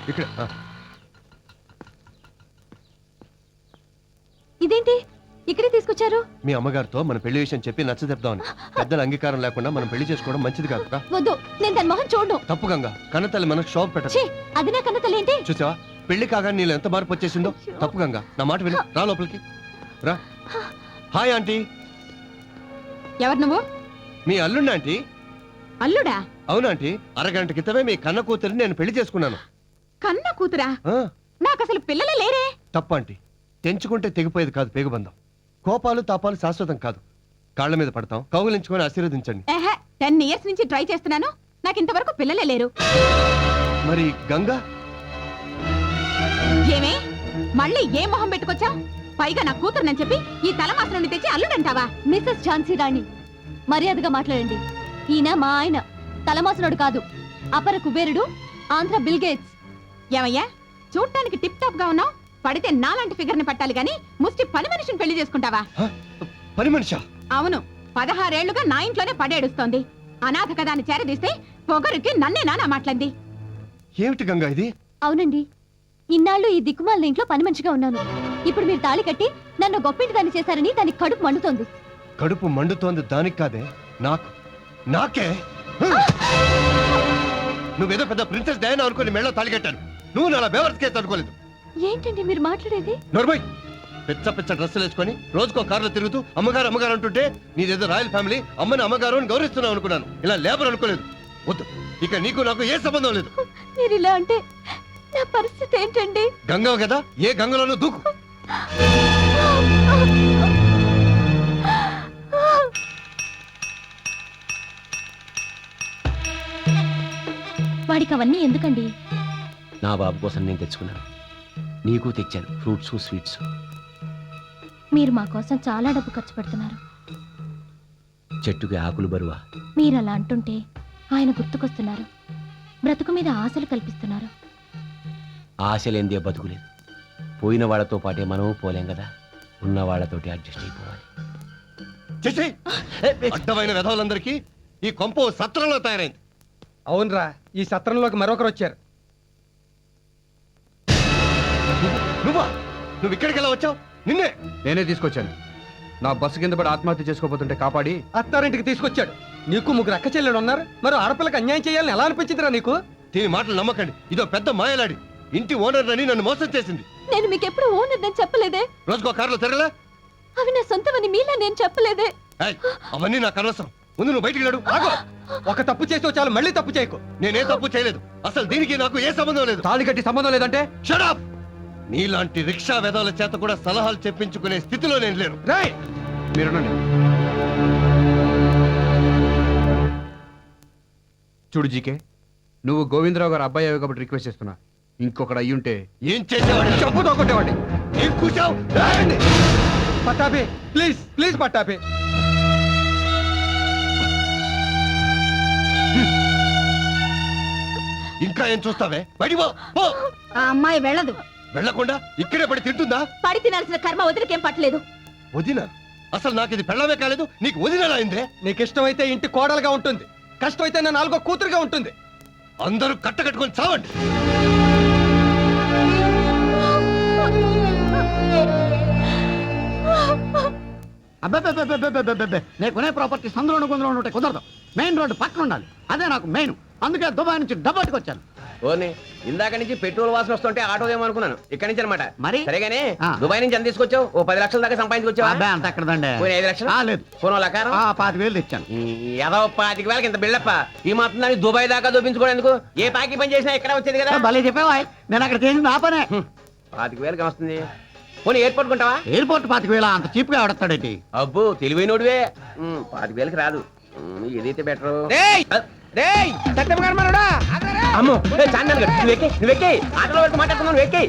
ఇక్కడ ఇదేంటి ఇక్కడే తీసుకొచ్చారు? మీ అమ్మగారితో మన పెళ్లి విషయం చెప్పి నచ్చజెప్దామని. పెద్దల అంగీకారం లేకుండా మనం పెళ్లి చేసుకోవడం మంచిది కాదు. వద్దు, నేను దాని మొహం చూడను. తప్పు గంగా, కన్నతల్లి మనకు షాప్ పెట్టదు. అది నా కన్న తల్లి ఏంటి? చూసావా పెళ్లి కాగా నీళ్ళు ఎంత మార్పు వచ్చేసిందో. తప్పు గంగా, నా మాట విను, రా లోపలికి రా. Hi aunty. ఎవరు నువ్వు? మీ అల్లుండి ఆంటీ. అల్లుడా? అవునాంటీ, అరగంట క్రితమే మీ కన్న కూతురిని నేను పెళ్లి చేసుకున్నాను. కన్న కూతురా? ఆ, నాకు అసలు పిల్లలే లేరే. తప్పు ఆంటీ, తెంచుకుంటే తెగిపోయేది కాదు పేగుబంధం. కోపాలు తాపాలు శాశ్వతం కాదు. కాళ్ళ మీద పడతాం, కౌగులించుకొని ఆశీర్వదించండి. 10 years నుంచి ట్రై చేస్తున్నాను, నాకు ఇంతవరకు పిల్లలే లేరు. మరి గంగా? ఏమే మళ్ళీ ఏ మొహం పెట్టుకొచ్చా? పైగా నా కూతురునని చెప్పి ఈ తలమాస నుండి తెచ్చి అల్లుడంటావా? మిస్సెస్ ఝాన్సీ రాణి, మర్యాదగా మాట్లాడండి. ఈయన మా ఆయన, తలమాసనుడు కాదు, అపర కుబేరుడు, ఆంధ్ర బిల్ గేట్స్. ఏమయ్యా, చూడటానికి టిప్ టాప్ గా ఉన్నావు, పడితే నాలాంటి ఫిగర్ ని పట్టాలి గాని ముష్టి పని మనిషిని పెళ్లి చేసుకుంటావా? పని మనిషా? అవును, 16 ఏళ్లుగా నా ఇంట్లోనే పడేడుస్తోంది. అనాథ కదా అని చేరదీస్తే పొగరుకి నన్నే నానా మాట్లాడింది. ఏమిటి గంగా ఇది? అవునండి, ఇన్నాళ్ళు ఈ దిక్కుమాలిన ఇంట్లో పని మనిషిగా ఉన్నాను. ఇప్పుడు మీరు తాళి కట్టి నన్ను గొప్పింటి దాన్ని చేశారని దానికి కడుపు మండుతోంది. కడుపు మండుతోంది దానికి కాదే, నాకు. నాకే. నువ్వేదో పెద్ద ప్రిన్సెస్ డయానా అనుకుని మెళ్ళో తాళి కట్టాను. నువ్వు నా బేవర్స్ కేసు అనుకోలేదు. ఏంటండి మీరు మాట్లాడేది? నోర్మోయ్, పిచ్చ పిచ్చ డ్రెస్సులు వేసుకొని రోజుకో కారులో తిరుగుతూ అమ్మగారు అమ్మగారు అంటుంటే నీదేదో రాయల్ ఫ్యామిలీ, అమ్మని అమ్మగారు అని గౌరవిస్తున్నావు అనుకున్నాను. ఇలా లేబర్ అనుకోలేదు. వద్దు, ఇక నీకు నాకు ఏ సంబంధం లేదు. మీరు ఇలా అంటే నా పరిస్థితి ఏంటండి? గంగ కదా, ఏ గంగలోనూ దూకు. వాడికి అవన్నీ ఎందుకండి? నా బాబు కోసం నేను తెచ్చుకున్నాను, నీకు తెచ్చాను, ఫ్రూట్స్ స్వీట్స్. మీరు మా కోసం చాలా డబ్బు ఖర్చు పెడుతున్నారు. చెట్టుకి ఆకులు బరువా? మీరు అలా అంటుంటే ఆయన గుర్తుకొస్తున్నారు. బ్రతుకు మీద ఆశలు కల్పిస్తున్నారు. ఆశ లేనిదే బతుకులేదు. పోయిన వాళ్ళతో పాటే మనం పోలేం కదా, ఉన్న వాళ్ళతోటి అడ్జస్ట్ అయిపోవాలి. అడ్డమైన విధవులందరికీ ఈ కొంప సత్రంలో తయారైంది. అవునరా, ఈ సత్రంలోకి మరొకరు వచ్చారు. నువ్వా? నువ్వు ఇక్కడికి ఎలా వచ్చావు? నిన్నే నేనే తీసుకొచ్చాను. నా బస్సు కింద పడి ఆత్మహత్య చేసుకోబోతుంటే కాపాడి అత్తారింటికి తీసుకొచ్చాడు. నీకు 3 అక్క చెల్లెలు ఉన్నారు, మరి ఆడపిల్లకి అన్యాయం చేయాలని ఎలా అనిపించిందిరా నీకు? దీని మాటలు నమ్మకండి, ఇదో పెద్ద మాయలాడి. ఇంటి ఓనర్ అని నన్ను మోసం చేసింది. నేను మీకు ఎప్పుడు ఓనర్ నేను చెప్పలేదే. రోజుకో కారులో తిరగలే? అవి నా సొంతమని మీలా నేను చెప్పలేదే. అవన్నీ నాకు అనవసరం. ముందు నువ్వు బయటికి నడు. ఆగో, ఒక తప్పు చేసి చాలు, మళ్ళీ తప్పు చేయకు. నేనే తప్పు చేయలేదు. అసలు దీనికి నాకు ఏ సంబంధం లేదు. తాళి కట్టి సంబంధం లేదంటే? Shut up! నీలాంటి రిక్షా వెధవల చేత కూడా సలహాలు చెప్పించుకునే స్థితిలో నేను లేను. రేయ్, మీరునండి. చూడు జీకే, నువ్వు గోవిందరావు గారు అబ్బాయి అయ్యావు కాబట్టి రిక్వెస్ట్ చేస్తున్నా. ఇంకొకటి అయ్యుంటే ఏం చేసేవాడి? చెప్పుతో కొట్టేవాడి. ఏం కూర్చావు? పట్టాపే, ప్లీజ్ ప్లీజ్ పట్టాపే. ఇంకా ఏం చూస్తావే? బయటికి పో, పో. ఆ అమ్మాయి వెళ్ళదు. వెళ్ళకుండా ఇక్కడే పడి తింటుందా? పడి తినాల్సిన కర్మ వదిలికేం పట్టలేదు. వదిన? అసలు నాకు ఇది పెళ్ళమే కాలేదు, నీకు వదినలా అయిందే? నీకు ఇష్టమైతే ఇంటి కోడలుగా ఉంటుంది, కష్టమైతే నా 4వ కూతురుగా ఉంటుంది. అందరూ కట్టకట్టుకొని చావండి. అబ్బే, నేను కొనే ప్రాపర్టీ సందులో గుందులో ఉంటే కుదరదు. మెయిన్ రోడ్డు పక్కన ఉండాలి, అదే నాకు మెయిన్. అందుకే దుబాయ్ నుంచి డబ్బట్టుకొచ్చాను. ఓనే, ఇందాక నుంచి పెట్రోల్ వాసన వస్తుంటే ఆటో ఏమనుకున్నాను, ఇక్కడి నుంచి అనమాట. మరి? సరేగానే ఆ. దుబాయ్ నుంచి ఎంత తీసుకొచ్చావు? ఓ 10 లక్షల దాకా సంపాదించుకొచ్చావా? అబ్బే, అంత ఎక్కడదండి. 5 లక్షలు? లేదు, పోనో లకారం 25,000 తెచ్చాను. ఏదో 25,000 ఇంత బిల్డప్ప. ఈ మాత్రం దాన్ని దుబాయ్ దాకా చూపించుకోవడానికి ఏ పాకి పని చేసినా ఇక్కడ వచ్చేది కదా. భలే చెప్పావా, నేను అక్కడ చేసింది ఆ పనే. 25,000 వస్తుంది. పోనీ ఎయిర్పోర్ట్ కొంటావా? ఎయిర్పోర్ట్ 25,000 అంత చీప్ గా ఎవడతాడేంటి? అబ్బో, తెలివైనోడివే. 25,000 రాదు, ఏదైతే బెటర్. అమ్మో, చాందన్ గారు, నువ్వెక్కి ఆటోలో వరకు మాట్లాడుతున్నావు. ఎక్కి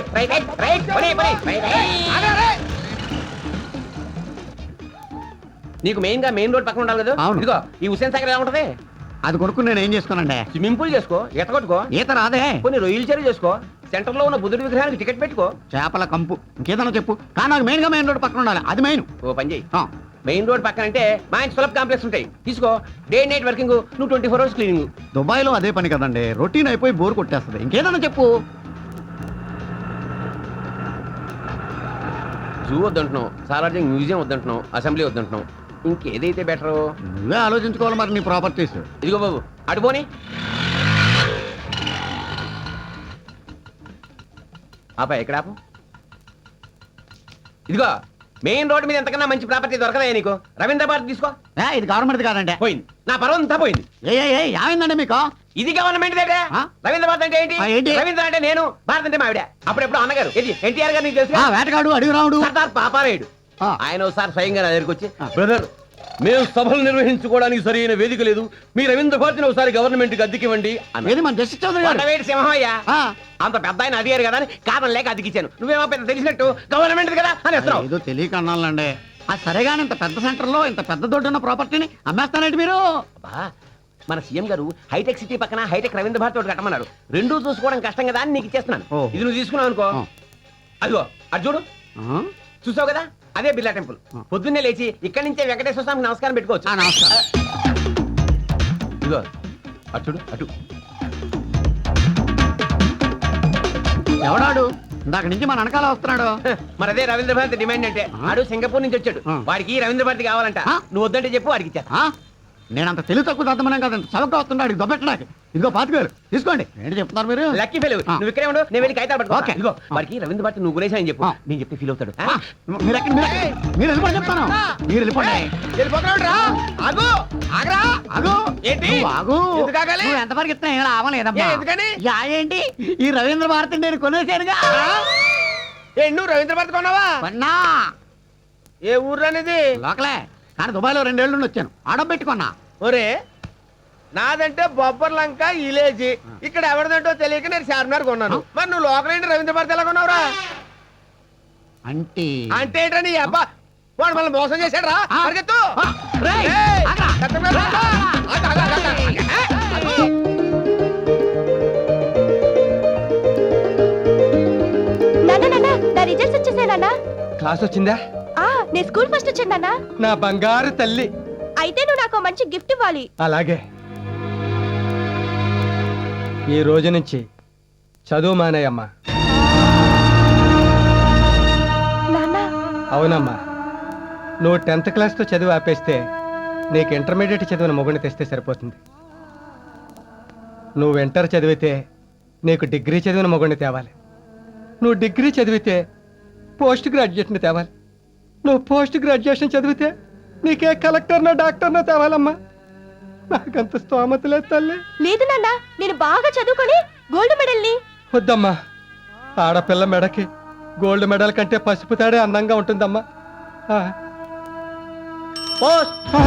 నీకు మెయిన్ గా మెయిన్ రోడ్ పక్కన ఉండాలి కదా. అవును. ఇదిగో ఈ హుస్సేన్ సాగర్ ఎలా ఉంటది? అది కొనుక్కుని నేను ఏం చేసుకోనండి? స్విమ్మింగ్ పూల్ చేసుకో, ఈత కొట్టుకో, ఈత రాదే. కొన్ని రొయ్యలు చెరువు చేసుకో, సెంటర్ లో ఉన్న బుద్ధుడి విగ్రహానికి టికెట్ పెట్టుకో. చేపల కంపు, ఇంకేదన్నా చెప్పు. కానీ నాకు మెయిన్ గా మెయిన్ రోడ్ పక్కన ఉండాలి, అది మెయిన్. ఓ పని చెయ్యి, మెయిన్ రోడ్ పక్కన అంటే మా ఇంటి సులభ కాంప్లెక్స్ ఉంటాయి. తీసుకో, డే నైట్ వర్కింగ్, నువ్వు 24 hours క్లీనింగ్. దుబాయ్లో అదే పని కదండి, రొటీన్ అయిపోయి బోర్ కొట్టేస్తుంది. ఇంకేదన్నా చెప్పు. జూ వద్దంటున్నావు, సాలార్జింగ్ మ్యూజియం వద్దంటున్నావు, అసెంబ్లీ వద్దంటున్నావు, ఇంకేదైతే బెటరు? నువ్వే ఆలోచించుకోవాలి మరి నీ ప్రాపర్టీస్. ఇదిగో బాబు, అటు పోనీ. ఆపా, ఎక్కడ ఆపు? ఇదిగో, మెయిన్ రోడ్ మీద ఎంతకన్నా మంచి ప్రాపర్టీ దొరకదా నీకు? రవీంద్ర భారతి తీసుకో. ఇది గవర్నమెంట్ కాదండి. పోయింది, నా పర్వం అంతా పోయింది. ఏమైందండి మీకు? ఇది గవర్నమెంట్ దగ్గర. ఆ? రవీంద్ర భారతి అంటే ఏంటి? ఏంటి? రవీంద్ర అంటే నేను, భారత్ అంటే మావిడ. అప్పుడెప్పుడు అన్నగారు ఇది ఎన్టీఆర్ గారు, నీకు తెలుసు. వేటగాడు అడుగు రావుడు. సర్దార్ పాపారాయుడు. ఆ. ఆయన ఒకసారి స్వయంగా నా దగ్గరికి వచ్చి, బ్రదర్, మేము సభలు నిర్వహించుకోవడానికి సరైన వేదిక లేదు, మీ రవీంద్ర భారతిని ఒకసారి గవర్నమెంట్ కి అద్దెకివ్వండి. ఏది మన జస్టిస్ చౌదరి గారు? కొండవేటి సింహయ్యా, ఆ. అంత పెద్ద ఆయన అడిగారు కదా అని కారణం లేక అద్దెకిచ్చాను. నువ్వేమో పెద్ద తెలిసినట్టు గవర్నమెంట్ కదా అని వస్తున్నావు. ఏదో తెలియక అన్నాలండి. సరేగాని ఇంత పెద్ద సెంటర్ లో ఇంత పెద్ద దొడ్డున్న ప్రాపర్టీని అమ్మేస్తానండి మీరు? అబ్బా, మన సీఎం గారు హైటెక్ సిటీ పక్కన హైటెక్ రవీంద్ర భారతి ఒకటి కట్టమన్నారు. రెండూ చూసుకోవడం కష్టం కదా అని నీకు ఇచ్చేస్తున్నాను. ఓ. ఇది నువ్వు తీసుకున్నావు అనుకో, ఆ. అదిగో అటు చూడు, ఆ? చూసావు కదా, అదే బిర్లా టెంపుల్. పొద్దున్నే లేచి ఇక్కడి నుంచే వెంకటేశ్వర స్వామికి నమస్కారం పెట్టుకోవచ్చు. నమస్కారం. ఇదిగో అటు చూడు, అటు. ఎవడాడు? ఇందాక నుంచి మన వెనకాల వస్తున్నాడు. మరి అదే రవీంద్ర భారతి డిమాండ్ అంటే. ఆడు సింగపూర్ నుంచి వచ్చాడు, ఆ. వాడికి రవీంద్ర భారతి కావాలంట. ఆ. నువ్వు వద్దంటే చెప్పు, వాడికి ఇచ్చా. ఆ? నేనంత తెలివి తక్కువ దద్దమనం కదండి. చవక వస్తున్నాడు దొబ్బెట్టడానికి. ఇదిగో 25,000 తీసుకోండి. ఏంటి చెప్తున్నారు మీరు? Lucky fail. ఆ. నువ్వు ఇక్కడే ఉండు, నేను వెళ్ళి కాగితాలు పట్టుకో. ఓకే. ఇదిగో వాడికి రవీంద్ర భారతి నువ్వు గురేసా అని చెప్పు, ఆ. నేను చెప్తే ఫీల్ అవుతాడు. ఆ, మీరు ఎక్కడ? మీరు వెళ్ళిపోయి చెప్తాను. మీరు వెళ్ళిపోండి. ఆగు, ఆగరా. ఆగు. ఏంటి? నువ్వు ఆగు. ఎందుకు ఆగాలి? నువ్వు ఎంతవరకు ఇస్తున్నా ఏం లాభలేదమ్మా. ఏ, ఎందుకని? ఏంటి ఈ రవీంద్ర భారతి నేను కొనేసానుగా. నువ్వు రవీంద్ర భారతి కొన్నావా? కొన్నా. ఏ ఊర్లో అనేది? లోకలే, కానీ దుబాయ్లో 2 ఏళ్ళు నుండి వచ్చాను. ఆడబెట్టుకున్నా. ఒరే, నాదంటే బొబ్బర్ లంక ఇలేజీ. ఇక్కడ ఎవరిదంటో తెలియక నేను చార్మినార్ కొన్నాను. మరి నువ్వు లోకల్ ఏంటి రవీంద్ర భారతి ఎలా కొన్నావురా? అంటే అంటే ఏంటని ఈ అబ్బా వాడు మనల్ని మోసం చేశాడు రా. ఆ. పరిగెత్తు. రేయ్, ఏయ్, ఆగ్రా. కట్టం మీద రా. ఆగు, ఆగు, ఆగు, ఆగు. నాన్న నా రిజల్ట్స్ వచ్చేసాయి నాన్న. క్లాస్ వచ్చిందా? నేను స్కూల్ ఫస్ట్ వచ్చాను నాన్న. నా బంగారు తల్లి. అయితే నువ్వు నాకు మంచి గిఫ్ట్ ఇవ్వాలి. అలాగే, ఈ రోజు నుంచి చదువు మానేయమ్మా. నాన్న, అవునమ్మా, నువ్వు 10th క్లాస్తో చదువు ఆపేస్తే నీకు ఇంటర్మీడియట్ చదివిన మొగుడిని తెస్తే సరిపోతుంది. నువ్వు ఇంటర్ చదివితే నీకు డిగ్రీ చదివిన మొగుడిని తేవాలి. నువ్వు డిగ్రీ చదివితే పోస్ట్ గ్రాడ్యుయేట్ని తేవాలి. నువ్వు పోస్ట్ గ్రాడ్యుయేషన్ చదివితే నీకే కలెక్టర్నో డాక్టర్నో తేవాలమ్మా. నాకంత స్తోమత లేదు తల్లి. లేదు నాన్న, నేను బాగా చదువుకొని గోల్డ్ మెడల్ని. వద్దమ్మా, ఆడపిల్ల మెడకి గోల్డ్ మెడల్ కంటే పసుపు తాడే అందంగా ఉంటుందమ్మా. ఆ. ఆ.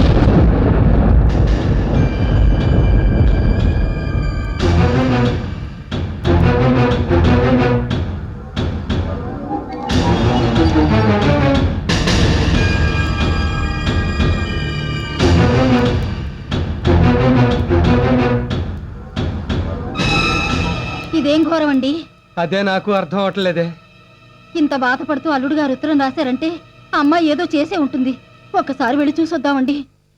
ఇదేం ఘోరం అండి. అదే నాకు అర్థం అవట్లేదే. ఇంత బాధపడుతూ అల్లుడు గారు ఉత్తరం రాశారంటే ఆ అమ్మాయి ఏదో చేసే ఉంటుంది. ఒక్కసారి వెళ్ళి చూసొద్దామండి.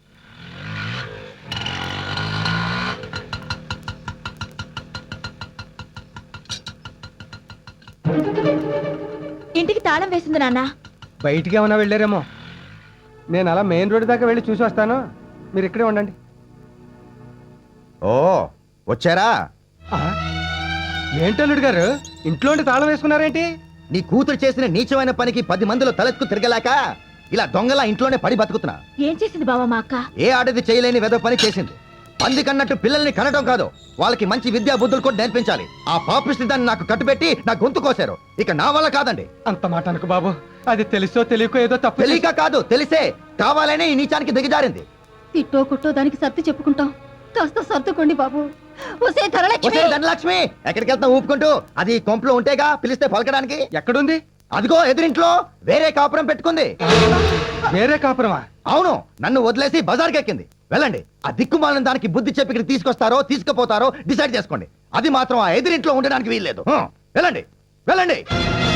ఇంటికి తాళం వేసింది నాన్న. బయటికి ఏమైనా వెళ్ళారేమో. నేను అలా మెయిన్ రోడ్ దాకా వెళ్ళి చూసి వస్తాను, మీరు ఇక్కడే ఉండండి. ఓ వచ్చారా? ఏంటల్లుడు గారు, ఇంట్లో తాళం వేసుకున్నారేంటి? నీ కూతురు చేసిన నీచమైన పనికి 10 మందిలో తలెత్తుకు తిరగలేక ఇలా దొంగలా ఇంట్లోనే పడి బతుకుతున్నా. ఏం చేసింది బావా మా అక్క? ఏ ఆడది చేయలేని వెద పని చేసింది. పంది కన్నట్టు పిల్లల్ని కనడం కాదు, వాళ్ళకి మంచి విద్యా బుద్ధులు కూడా నేర్పించాలి. ఆ పాపిష్టి దాన్ని నాకు కట్టుబెట్టి నా గొంతు కోసారు. ఇక నా వల్ల కాదండి. అంత మాట అనుకు బాబు, అది తెలుసో తెలియకో ఏదో తప్పు తెలియక కాదు, తెలిసే కావాలనే ఈ నీచానికి దిగజారింది. తిట్టో కుట్టో దానికి సర్ది చెప్పుకుంటాం. కాస్త సర్దుకోండి బాబు. ఒసే ధనలక్ష్మి, వచ్చే ధనలక్ష్మి ఎక్కడికి వెళ్తా ఊపుకుంటూ? అది కొంపలో ఉంటేగా పిలిస్తే పలకడానికి. ఎక్కడుంది? అదిగో ఎదురింట్లో వేరే కాపురం పెట్టుకుంది. వేరే కాపురమా? అవును, నన్ను వదిలేసి బజార్కి ఎక్కింది. వెళ్ళండి, ఆ దిక్కుమాలిన దానికి బుద్ధి చెప్పి ఇక్కడ తీసుకొస్తారో తీసుకుపోతారో డిసైడ్ చేసుకోండి. అది మాత్రం ఆ ఎదురింట్లో ఉండడానికి వీల్లేదు. వెళ్ళండి వెళ్ళండి.